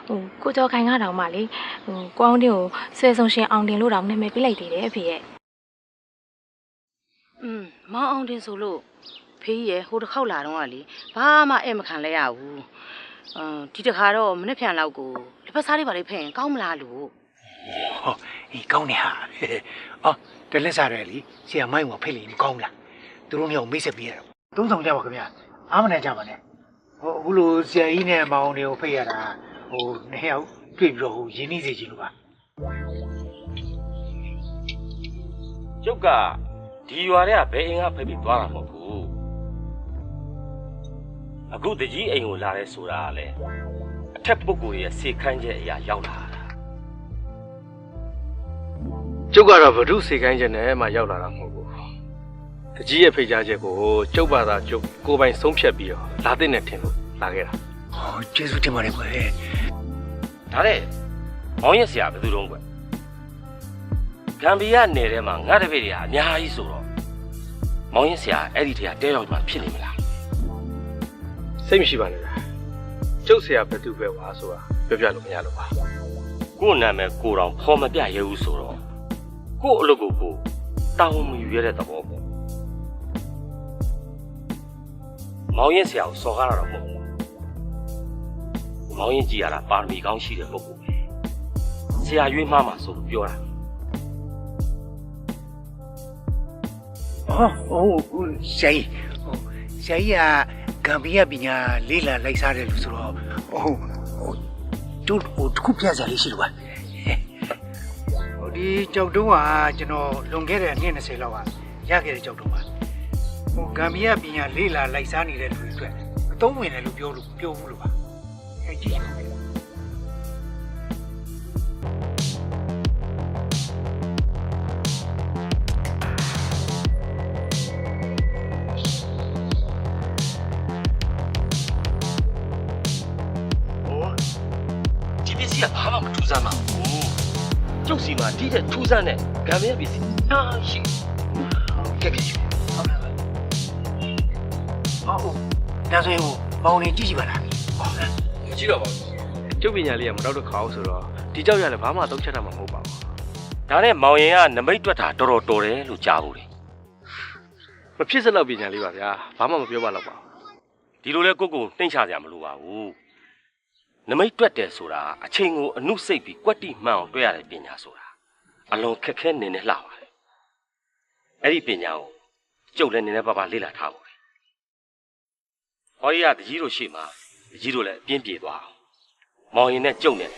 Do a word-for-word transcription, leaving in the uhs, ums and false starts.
ဟိုကိုကျော်ခိုင်ကတော့မှလေဟိုကိုအောင်တင်ကိုဆွဲဆုံးရှင်အောင်တင်လို့တော့နာမည်ပေးလိုက်သေးတယ်အဖေရဲ့อืมမောင်အောင်တင်ဆိုလို့ဖေးရဲ့ဟိုတစ်ခေါက်လာတော့ကလေဘာမှအဲ့မခံလဲရဘူးအမ်ဒီတစ်ခါတော့မနေ့ပြန်လောက်ကိုလက်ဖက်စားလေးပါလေးဖဲ့ရင်ကောင်းမလားလို့ဟောအေးကောင်းနေဟာအော်တလက်စားရဲလीဆရာမိုင်းကဖိတ်လိမ့်ကောင်းလားသူတို့မျိုးမိတ်ဆက်ပေးရတော့သုံးဆောင်ကြပါခင်ဗျာအားမနိုင်ကြပါနဲ့ဟိုအခုလိုဆရာကြီးနဲ့မောင်တွေကိုဖိတ်ရတာဟိုနှစ်ယောက်တွေ့ပြီးတော့ဟိုရင်းနှီးစေချင်လို့ပါကျုပ်ကဒီရွာတွေကဘယ်အိမ်ကဖိတ်ပြီးသွားတာမဟုတ်ဘူးအခုတကြီးအိမ်ကိုလာရဲဆိုတာကလေအထက်ပုဂ္ဂိုလ်ရဲ့စေခိုင်းချက်အရာရောက်လာတာကျုပ်ကတော့ဗဒုစေခိုင်းချက်နဲ့မှရောက်လာတာမဟုတ်ဘူးတကြီးရဲ့ဖိတ်ကြားချက်ကိုကျုပ်ဘာသာကျုပ်ကိုယ်ပိုင်ဆုံးဖြတ်ပြီးတော့လာတဲ့နဲ့ထင်လို့လာခဲ့တာဟောကျေးဇူးတင်ပါတယ်ကွယ်ဒါနဲ့မောင်ရဲ့ဆရာဘယ်သူတုံးကွဂမ်ဘီယာနယ်ထဲမှာငါတပည့်တွေကအများကြီးဆိုတော့မောင်ရဲ့ဆရာအဲ့ဒီထဲကတဲရောက်မှဖြစ်နေမလားစိတ်မရှိပါနဲ့ကျုပ်ဆရာဘယ်သူပဲဝါဆိုတာပြောပြလို့မရလို့ပါကို့နာမည်ကိုတော်ဖော်မပြရဲဘူးဆိုတော့ကို့အလုပ်ကိုကိုတာဝန်မယူရတဲ့သဘောပေါ့မောင်ရင်ဆရာကိုစော်ကားတာတော့မဟုတ်ဘူးမောင်ရင်ကြည်ရတာပါရမီကောင်းရှိတဲ့ပုဂ္ဂိုလ်ပဲဆရာရွေးမှားမှာဆိုလို့ပြောတာဟောဟိုဆရာကြီးဟိုဆရာကြီးကဂမ်ဘီယာပညာလေးလာလိုက်စားတယ်လို့ဆိုတော့ဟိုဟိုတို့ဟိုတစ်ခုပြစရာလေးရှိလို့ပါဟိုဒီကြောက်တုံးကကျွန်တော်လွန်ခဲ့တဲ့နှစ်၂၀လောက်ကရခဲ့တဲ့ကြောက်တုံးပါဟိုဂမ်ဘီယာပညာလေးလာလိုက်စားနေတဲ့လူတွေအတွက်အသုံးဝင်တယ်လို့ပြောလို့ပြောဘူးလို့ပါအဲကြည့်ပါဦးဒီပစ္စည်းကဘာမှမထူးဆန်းပါဘူးကျုပ်စီမှာတိတဲ့ထူးဆန်းတဲ့ဂမ်ဘီယာပစ္စည်းအားရှိကဲကဲဟုတ်လားဟုတ်ဒါဆိုရင်ဟိုပေါင်းနေကြည့်ကြည့်ပါလားဟုတ်လားကြည့်တော့ပါကျုပ်ပညာလေးကမတော့တခါအောင်ဆိုတော့ဒီကြောက်ရလည်းဘာမှသုံးချက်တာမှမဟုတ်ပါဘူးဒါနဲ့မောင်ရင်ကနမိတ်တွက်တာတော်တော်တော်တယ်လို့ကြားဘူးလေမဖြစ်စလောက်ပညာလေးပါဗျာဘာမှမပြောပါတော့ပါဒီလိုလဲကိုကိုနှိမ့်ချကြမလို့ပါဘူးနမိတ်တွက်တယ်ဆိုတာအချိန်ကိုအနုစိတ်ပြီးကွက်တိမှန်အောင်တွက်ရတဲ့ပညာဆိုတာအလွန်ခက်ခဲနေနေလှပါတယ်အဲ့ဒီပညာကိုကျုပ်လည်းနေနေပါပါလေ့လာထားပါတယ်ဟောရီကတကြီးတို့ရှိမှတကြီးတို့လည်းအပြင်းပြေသွားအောင်မောင်ရင်နဲ့ကျုပ်နဲ့